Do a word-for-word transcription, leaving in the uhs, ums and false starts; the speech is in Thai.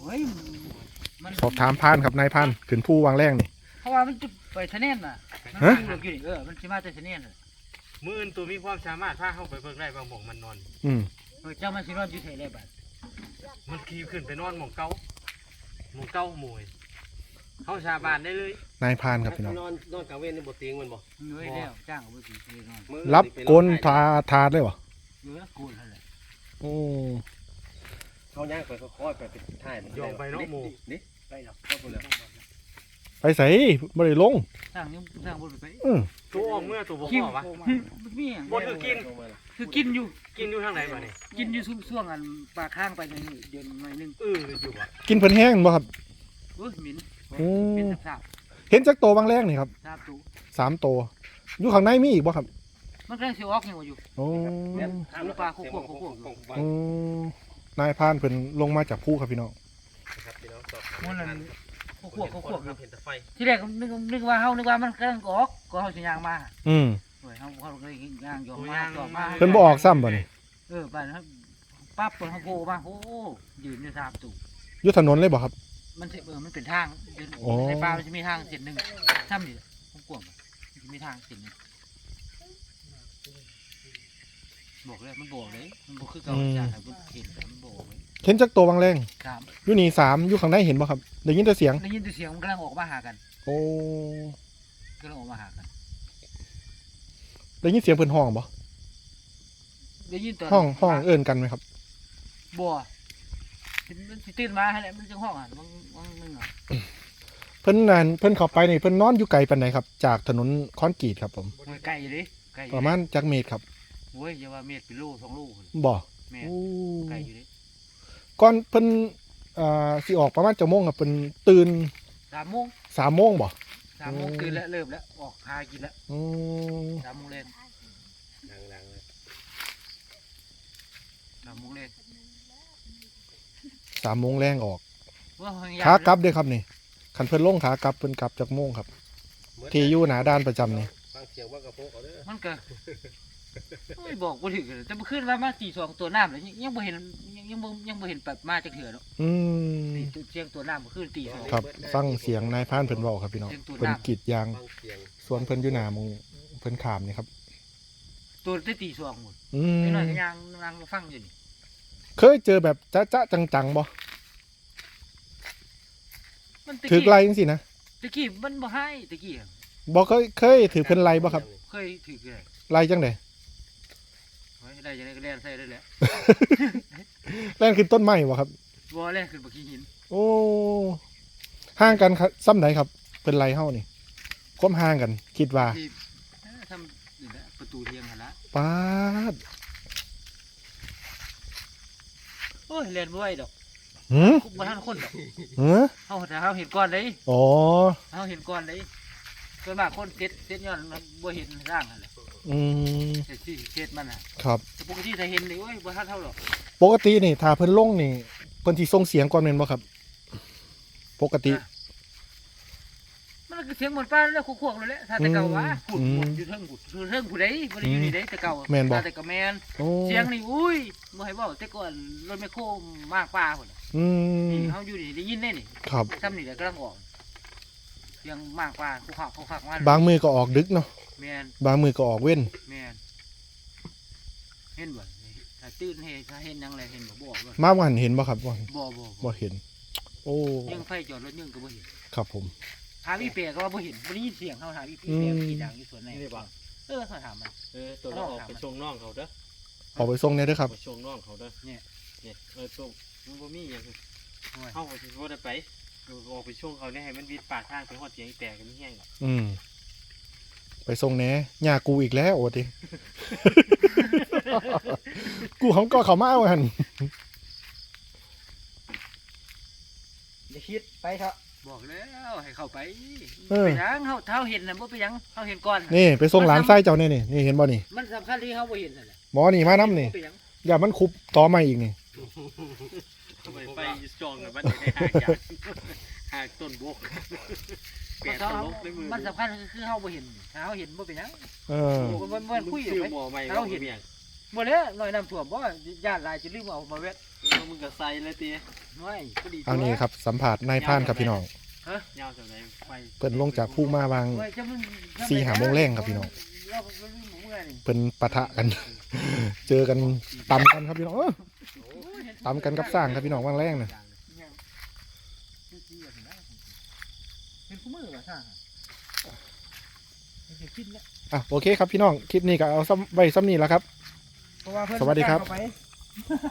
เฮ้ยมันสอบถามพานครับนายพานขึ้นผู้วางแรงนี่เพราะว่ามันจุดไปทะเนนน่ะมันฮะอยู่อยู่นี่เออมันสิมาแต่ทะเนนน่ะมืออื่นตัวมีความสามารถพาเข้าไปเบิ่งได้บางหม่องมันนอนอืมเออเจ้ามันสินอนอยู่ไสได้บัดมันขี่ขึ้นไปนอนหม่องเก่าหม่องเก่าหมวยเข้าชาบานได้เลยนายพานครับพี่น้องนอนนอนกลางเว้นในบ่เตียงมันบ่เฮ้ยแล้วจ้างเอาไปสิเนอนมื้อรับกลทาทาดเลยบ่เออกูนั่นแหละโอ้เขาย่างไปค่อยๆไปเป็นท่ายมันยองไปเนาะหมู่นี่ไปหรอกเข้าไปเลยไปใส่บ่ได้ลงสร้างยังสร้างบ่ไปอือตัวออกเมื่อตัวบ่คิพวอวะมันมีหยังบ่คือกินคือกินอยู่กินอยู่ทางไหนมานี่กินอยู่ช่วงๆอันปลาข้างไปหน่อยเดือนหน่อยนึงเอออยู่อ่ะกินเพิ่นแห้งบ่ครับโอ้ยหมิ่นโอ้เป็นสาบเห็นจักโตวางแรงนี่ครับๆสาบตูสามโตวอยู่ข้างในมีอีกบ่ครับมันกำลังสิออกยังว่าอยู่โอ้ลูกปลาคุกๆคุกโอ้นายพานเพิ่นลงมาจากผู้ครับพี่น้องครับพี่น้องสอบมันนั่นคุกๆคุกๆอยู่เห็นแต่ไฟที่แรกนึกนึกว่าเฮานึกว่ามันกำลังออกก็เฮาสิย่างมาอืมเฮ้ยเฮาเฮาเลยย่างยอมมาจอมมาเพิ่นบ่ออกซ้ำบ่นี่เออบ้านครับปั๊บเพิ่นเฮาโผล่มาโอ้ยืนอยู่สามตูอยู่ถนนเลยบ่ครับมันสิเออมันเป็นทางเดินอ๋อในป่ามันจะมีทางเส้นหนึงซ้ำนี่กว้างๆมันจะมีทางเส้นหนึงบอกเลยมันบอกเลยมันบ่คือเก่าจ้าครับมันเห็นแต่มันบอกเลยเห็นจักโตววางแรงสามอยู่นี่สามอยู่ข้างในเห็นบ่ครับได้ยินแต่เสียงได้ยินแต่เสียงมันกำลังออกมาหากันโอ้กำลังออกมาหากันได้ยินเสียงเพิ่นห้องบ่ได้ยินตอนห้องห้องเอิ้นกันไหมครับบัวมันสิตื่นมาให้แหละมันจังห้องอ่ะบางบางนึงอ่ะเพิ่นนั่นเพิ่นเข้าไปนี่เพิ่นนอนอยู่ไกลปานใดครับจากถนนคอนกรีตครับผมโอ้ยไก่เลยไก่อยู่ประมาณจักเมตรครับโอ้ยอย่าว่าเม็ดเป็นโลสองโลพุ่นบ่แม่โอ้ไก่อยู่เลยก่อนเพิ่นอ่าสิออกประมาณจักโมงครับเพิ่นตื่นสามโมงสามโมงบ่สามโมงตื่นแล้วเริ่มแล้วออกหากินแล้วอืมสามโมงเล่นดังๆเลยสามโมงเล่นสามโมงแรงออกว่าหางยขากลับเด้อครับนี่คันเพิ่นลงขากลับเพิ่นกลับจักโมงครับที่อยู่หน้าด้านประจำนี่ฟังเสียงว่ากระโปงเอาเด้อมันก็ไม่บอกบ่ถึงเลยแต่เมื่อคืนว่ามาตีสองตัวน้ำเลยยังยังบ่เห็นยังยังบ่ยังบ่เห็นแบบมาจากเถื่อเนาะอืมตีตัวเสียงตัวน้ำเมื่อคืนตีสองครับฟังเสียงนายพรานเพิ่นเว้าครับพี่น้องเสียงตัวเพิ่นน้ำกรีดยางฟังเสียงสวนเพิ่นอยู่หน้าหมองเพิ่นขามนี่ครับตัวได้ตีสองหมดอืมไอ้น้อยก็ยังนั่งฟังอยู่นี่เคยเจอแบบจ๊ะๆจังๆบ่มันตะถือกี้ไล่จังซี่นะตะกี้มันบ่ให้ตะกี้อะบ่เคยเคยถือเพิ่นไล่บ่ครับเคยถือเลยไล่จังได๋ไว้ได้จังได๋ก็เล่นใส่ได้แหละแล่นขึ้นต้นไม้บ่ครับบ่แล่นขึ้นบ่ขี้หินโอ้ห่างกันครับซ้ำไหนครับเป็นไรเฮานี่ความห่างกัน คิดว่าที่เอ้อทำนี่แหละประตูเทียงหั่นละป๊าดโอ้ยเล่นบ่ไหวดอกหืมบ่ทันคนดอกหือเฮาถ้าเฮาเห็นก่อนเลยอ๋อเฮาเห็นก่อนเลยส่วนมากคนเซ็ตเซ็ตย้อนมันบ่เห็นร่างนั่นแหละอืมเซ็ตที่เซ็ตมันน่ะครับแต่ปกติถ้าเห็นนี่โอ้ยบ่ทันเท่าหรอกปกตินี่ถ้าเพิ่นลงนี่เพิ่นสิส่งเสียงก่อนแม่นบ่ครับ ปกติมันก็เสียงเหมือนป้าแล้วควกๆเลยแหละถ้าแต่เก่าว่าอืพูมดหมดอยู่เทิงพูดอยู่เทิงผู้ใดบ่ได้อยู่นี่เด้แต่เก่าแม่นบ่ถ้าแต่ก็แม่นโอ้เสียงนี่อุ้ยบ่ให้เว้าแต่ก่อนรถแมคโครมากป้าพุ่นน่ะอืมนี่เฮาอยู่นี่ได้ยินแน่นี่ครับซ้ำนี่แหละกำลังออกเสียงมากป้าคุกคักคุกคักมาบางมือก็ออกดึกเนาะแม่นบางมือก็ออกเว้นแม่นเห็นบ่ถ้าตื่นเฮ็ดถ้าเห็นหยังแลเห็นบ่บอกเลยมาบ่หันเห็นบ่ครับบ่บ่บ่บ่เห็น โอ้ยังไฟจอดรถยังก็บ่เห็นครับผมหาอีเปียก็ว่าบ่เห็นบ่ได้ยินเสียงเฮาหาอีเปียอืมกี่ดังอยู่สวนไหนเออเขาถามมันเออตัวเราออกไปชงน้องเขาเด้อออกไปส่งเนี่ยเด้อครับไปชงน้องเขาเด้อเนี่ยเนี่ยเออตัวมันบ่มีหยังเข้าไปสิบ่ได้ไปเออออกไปช่วงเขาเนี่ยให้มันวิดปากทางไปฮอดเสียงแตกกันแห้งอ่ะอืมไปส่งแหน่หญ้ากูอีกแล้วโอ้ติ กูของก็เขามาเอาหั่นอย่าคิดไปเถอะบอกแล้วให้เข้าไปเออไปยังเฮาเฮาเห็นน่ะบ่ไปยังเฮาเห็นก่อนนี่ไปส่งหลานไส้เจ้าเนี่ยนี่นี่เห็นบ่นี่มันสำคัญที่เฮาบ่เห็นนั่นแหละหมอนี่มาน้ำนี่บ่ไปยังอย่ามันคุบต่อมาอีกนี่ไปไปจองกับบ้านได้หากอย่างหากต้นบกแปดตลกในมือมันสำคัญคือเฮาบ่เห็นถ้าเฮาเห็นบ่ไปยังเออมันมันคุยชื่อไปหมอใหม่เราเห็น บ่แล้วน้อยน้ำท่วมบ่ญาติหลายจะลืมเอามาเวทแล้วมึงก็ใส่เลยตีน้อยพอดีเอานี่ครับสัมผัสนายพรานครับพี่น้องยาวจากไหนไฟเพิ่นลงจากภูมาวางเว้ยจะมึงสี่หาโมงแรงครับพี่น้องเราเราลืมหมูไงนี่เพิ่นปะทะกัน เจอกันตำกันครับพี่น้องเออตำกันกับสร้างครับพี่น้องวางแรงน่ะเป็นคู่มือเหรอท่าไม่ใช่คิดแล้วอ่ะโอเคครับพี่น้องคลิปนี้ก็เอาซ้ำไว้ซ้ำนี้แล้วครับเพราะว่าเพื่อนสวัสดีครับเข้าไป